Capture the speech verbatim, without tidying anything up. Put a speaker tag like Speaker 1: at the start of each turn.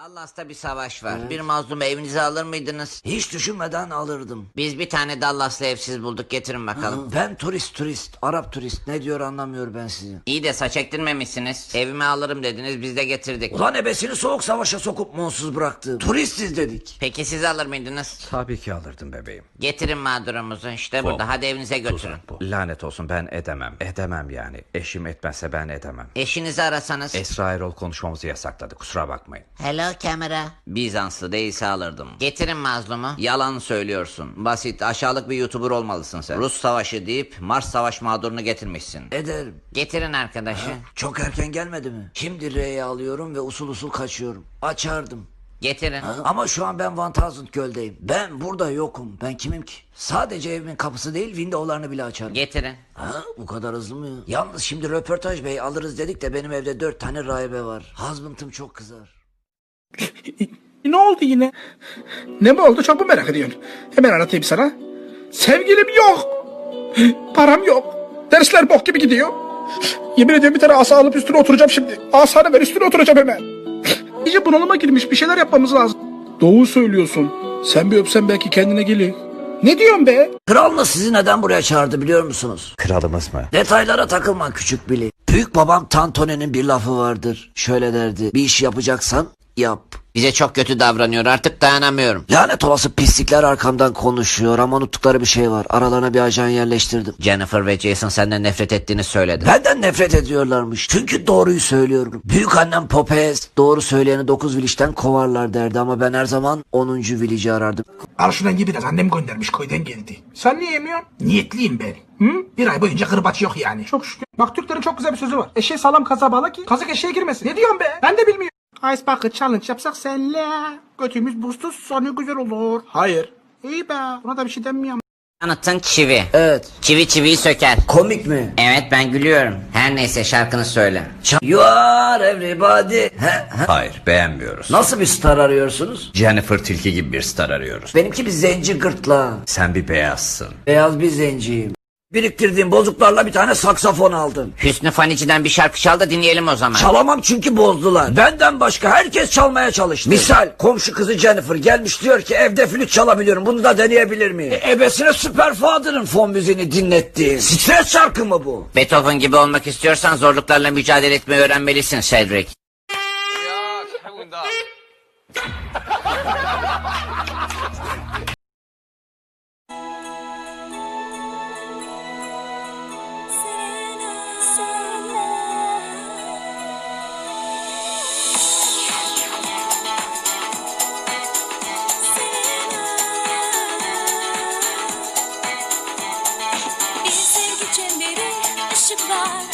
Speaker 1: Dallas'ta bir savaş var. Evet. Bir mazlumu evinize alır mıydınız?
Speaker 2: Hiç düşünmeden alırdım.
Speaker 1: Biz bir tane Dallas'lı evsiz bulduk, getirin bakalım.
Speaker 2: Ha, ben turist turist, Arap turist, ne diyor anlamıyor ben sizi.
Speaker 1: İyi de saç ektirmemişsiniz. Evime alırım dediniz, biz de getirdik.
Speaker 2: Ulan ebesini soğuk savaşa sokup monsuz bıraktı. Turistiz dedik.
Speaker 1: Peki siz alır mıydınız?
Speaker 3: Tabii ki alırdım bebeğim.
Speaker 1: Getirin mağdurumuzu, işte
Speaker 3: Bu.
Speaker 1: burada, hadi evinize götürün.
Speaker 3: Tuzak bu. Lanet olsun, ben edemem. Edemem yani. Eşim etmezse ben edemem.
Speaker 1: Eşinizi arasanız.
Speaker 3: Esra Erol konuşmamızı yasakladı, kusura bakmayın.
Speaker 1: Hello kamera. Bizanslı değilse alırdım. Getirin mazlumu. Yalan söylüyorsun. Basit, aşağılık bir YouTuber olmalısın sen. Rus savaşı deyip Mars savaş mağdurunu getirmişsin.
Speaker 2: Ederim.
Speaker 1: Getirin arkadaşı.
Speaker 2: Ha, çok erken gelmedi mi? Şimdi R'ye alıyorum ve usul usul kaçıyorum. Açardım.
Speaker 1: Getirin.
Speaker 2: Ha, ama şu an ben Van Thousand Göl'deyim. Ben burada yokum. Ben kimim ki? Sadece evimin kapısı değil, windowlarını bile açarım.
Speaker 1: Getirin.
Speaker 2: Ha, bu kadar hızlı mı? Yalnız şimdi röportaj bey alırız dedik de benim evde dört tane rahibe var. Husband'ım çok kızar.
Speaker 4: Ne oldu yine? Ne mi oldu, çok mu merak ediyorsun? Hemen anlatayım sana. Sevgilim yok. Param yok. Dersler bok gibi gidiyor. Yemin ediyorum bir tane asa alıp üstüne oturacağım şimdi. Asanı ver, üstüne oturacağım hemen. İyice bunalıma girmiş, bir şeyler yapmamız lazım. Doğru söylüyorsun. Sen bir öpsen belki kendine gelir. Ne diyorsun be?
Speaker 2: Kralınız sizi neden buraya çağırdı biliyor musunuz?
Speaker 3: Kralımız mı?
Speaker 2: Detaylara takılma küçük Billy. Büyük babam Tantone'nin bir lafı vardır. Şöyle derdi. Bir iş yapacaksan yap.
Speaker 1: Bize çok kötü davranıyor, artık dayanamıyorum.
Speaker 2: Lanet olası pislikler arkamdan konuşuyor ama unuttukları bir şey var. Aralarına bir ajan yerleştirdim.
Speaker 1: Jennifer ve Jason senden nefret ettiğini söyledi.
Speaker 2: Benden nefret ediyorlarmış. Çünkü doğruyu söylüyorum. Büyük annem Popez doğru söyleyeni dokuz village'den kovarlar derdi ama ben her zaman onuncu village'i arardım.
Speaker 4: Al şuradan ye biraz, annem göndermiş, köyden geldi. Sen niye yemiyorsun? Niyetliyim ben. Hı? Bir ay boyunca kırbaç yok yani. Çok şükür. Bak Türklerin çok güzel bir sözü var. Eşeği sağlam kaza bağla ki kazık eşeğe girmesin. Ne diyorsun be? Ben de bilmiyorum. Ice Bucket Challenge yapsak senle. Götümüz buzsuz sonra güzel olur. Hayır. İyi be. Buna da bir şey denmiyor.
Speaker 1: Anıtın çivi.
Speaker 2: Evet.
Speaker 1: Çivi çiviyi söker.
Speaker 2: Komik mi?
Speaker 1: Evet, ben gülüyorum. Her neyse, şarkını söyle.
Speaker 2: You are everybody. He, he.
Speaker 3: Hayır, beğenmiyoruz.
Speaker 2: Nasıl bir star arıyorsunuz?
Speaker 3: Jennifer Tilki gibi bir star arıyoruz.
Speaker 2: Benimki bir zenci gırtlağı.
Speaker 3: Sen bir beyazsın.
Speaker 2: Beyaz bir zenciyim. Biriktirdiğim bozuklarla bir tane saksafon aldım.
Speaker 1: Hüsnü Fanici'den bir şarkı çal da dinleyelim o zaman.
Speaker 2: Çalamam çünkü bozdular. Benden başka herkes çalmaya çalıştı. Misal komşu kızı Jennifer gelmiş diyor ki evde flüt çalabiliyorum. Bunu da deneyebilir miyim? E, ebesine Superfather'ın fon müziğini dinlettiğim. Stres şarkı mı bu?
Speaker 1: Beethoven gibi olmak istiyorsan zorluklarla mücadele etmeyi öğrenmelisin Cedric.
Speaker 5: Bir sevgi çemberi, ışıklar